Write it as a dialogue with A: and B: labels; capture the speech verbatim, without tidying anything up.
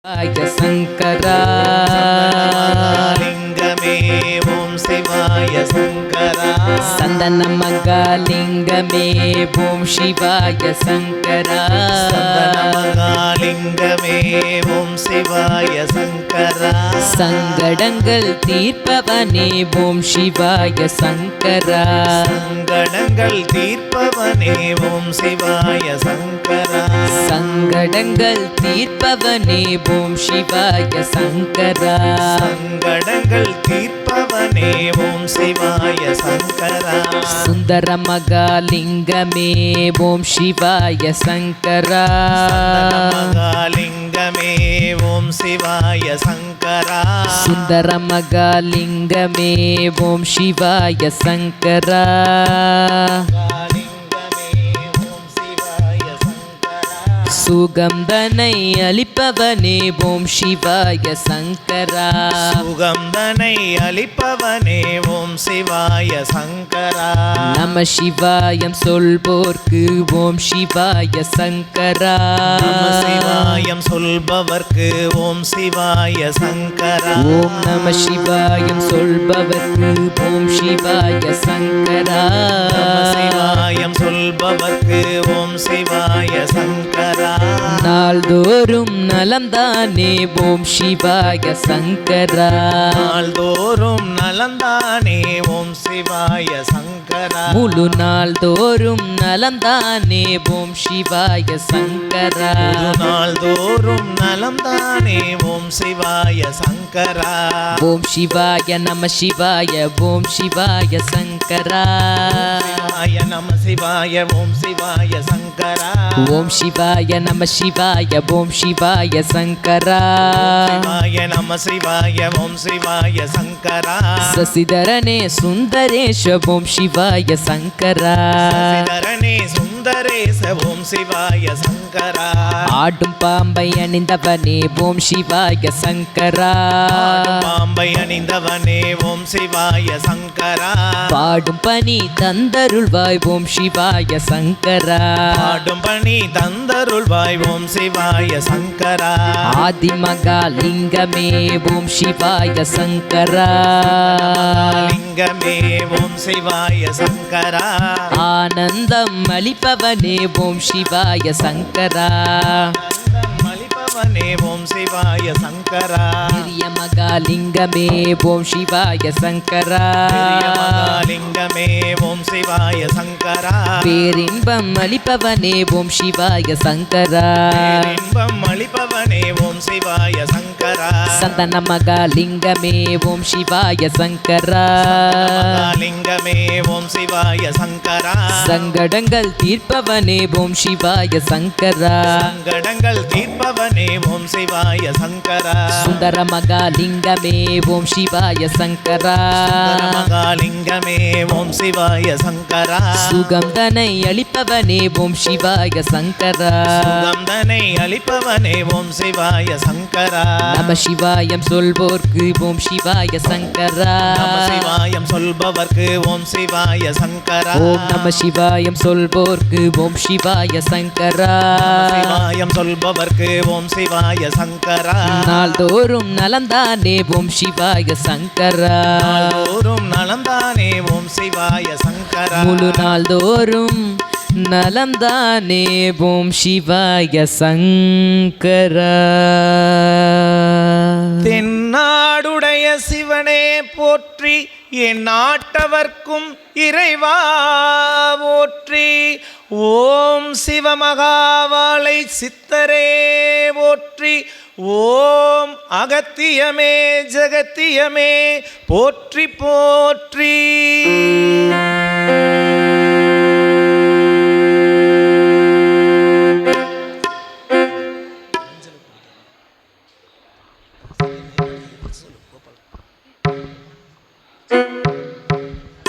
A: शिवाय शंकरा
B: लिंगमे ओम शिवाय शंकरा
A: संदनमगालिंगमे ओम शिवाय शंकरा
B: संदनमगालिंगमे ओम शिवाय शंकरा
A: சங்கடங்கள் தீர்ப்பவனே ஓம் சிவாய சங்கரா
B: சங்கடங்கள் தீர்ப்பவனே ஓம் சிவாய சங்கரா
A: சங்கடங்கள் தீர்ப்பவனே ஓம் சிவாய சங்கரா
B: சங்கடங்கள் தீர்ப்பவனே ஓம் சிவாய சங்கரா
A: சுந்தர மகாலிங்கமே ஓம் சிவாய சங்கரா
B: மகாலிங்கமே ஓம் சிவாய சங்கரா
A: சுந்தர மகாலிங்கமே ஓம் சிவாய சங்கரா சுகந்தனை அளிப்பவனே ஓம் சிவாய சங்கரா
B: சுகந்தனை அளிப்பவனே ஓம் சிவாய சங்கரா
A: நம சிவாயம் சொல்வோர்க்கு ஓம் சிவாய சங்கரா
B: நம சிவாயம் சொல்பவர்க்கு ஓம் சிவாய சங்கரா
A: ஓம் நம சிவாயம் சொல்பவர்க்கு ஓம் சிவாய சங்கரா
B: நம சிவாயம் சொல்பவர்க்கு ஓம் சிவாய சங்கரா
A: நாள்தோறும் நலம்தானே ஓம் சிவாய சங்கரா
B: நாள்தோறும் நலந்தானே ஓம் சிவாய சங்கரா
A: முழு நாள்தோறும் நலம்தானே ஓம் சிவாய சங்கரா
B: நாள்தோறும் நலம்தானே ஓம் சிவாய சங்கரா
A: ஓம் சிவாய நம சிவாய ஓம் சிவாய சங்கரா
B: சிவாய நம சிவாய ஓம் சிவாய சங்கரா
A: ஓம் சிவாய நம சிவாய ஓம் சிவாய சங்கரா
B: சிவாய நம சிவாய ஓம் சிவாய சங்கரா
A: சசிதரனே சுந்தரேஷ ஓம் சிவாய சங்கரா
B: சசிதரனே சுந்தரேச ஓம் சிவாய சங்கரா
A: ஆடும் பாம்பை அணிந்தவனே ஓம் சிவாய சங்கரா
B: பாம்பை அணிந்தவனே ஓம் சிவாய சங்கரா
A: பாடும் பனி தந்தருள்வாய் ஓம் சிவாய சங்கரா
B: பாடும் பணி தந்தருள்வாய் ஓம் சிவாய சங்கரா
A: ஆதிமகாலிங்கமே ஓம் சிவாய சங்கரா
B: லிங்கமே ஓம் சிவாய சங்கரா
A: ஆனந்தம் அளிப்பவனே ஓம் சிவாய சங்கரா
B: மலிபவனே ஓம் சிவாய சங்கரா
A: பெரிய மகாலிங்கமே ஓம் சிவாய சங்கரா
B: லிங்கமே ஓம் சிவாய சங்கரா
A: பேரின்பம் அளிப்பவனே ஓம் சிவாய சங்கரா
B: இன்பம் அளிப்பவனே ஓம் சிவாய சங்கரா
A: சந்தன மகாலிங்கமே ஓம் சிவாய சங்கரா
B: லிங்கமே ஓம் சிவாய சங்கரா
A: சங்கடங்கள் தீர்ப்பவனே ஓம் சிவாய சங்கரா
B: சங்கடங்கள் தீர்ப்பவனே ஓம் சிவாய சங்கரா
A: சுந்தர மகாலிங்கமே ஓம் சிவாய சங்கரா
B: மகாலிங்கமே ஓம் சிவாய சங்கரா
A: சுகந்தனை அளிப்பவனே ஓம் சிவாய சங்கரா
B: சுகந்தனை அளிப்பவனே ஓம் சிவாய சங்கரா
A: நம சிவாயம் சொல்வோர்க்கு ஓம் சிவாய சங்கரா
B: நம சிவாயம் சொல்பவர்க்கு ஓம் சிவாய சங்கரா
A: ஓம் நம சிவாயம் சொல்வோர்க்கு ஓம் சிவாய சங்கரா
B: சிவாயம் சொல்பவர்க்கு ஓம் சிவாய சங்கரா
A: நாள்தோறும் நலம்தானே ஓம் சிவாய சங்கரா
B: நாள்தோறும் நலந்தானே ஓம் சிவாய சங்கரா
A: முழு நாள்தோறும் நலம்தானே ஓம் சிவாய சங்கரா
B: தென்னாடுடைய சிவனே போற்றி என் நாட்டவர்க்கும் இறைவா போற்றி ஓம் சிவமகாவாளை சித்தரே போற்றி ஓம் அகத்தியமே ஜகத்தியமே போற்றி போற்றி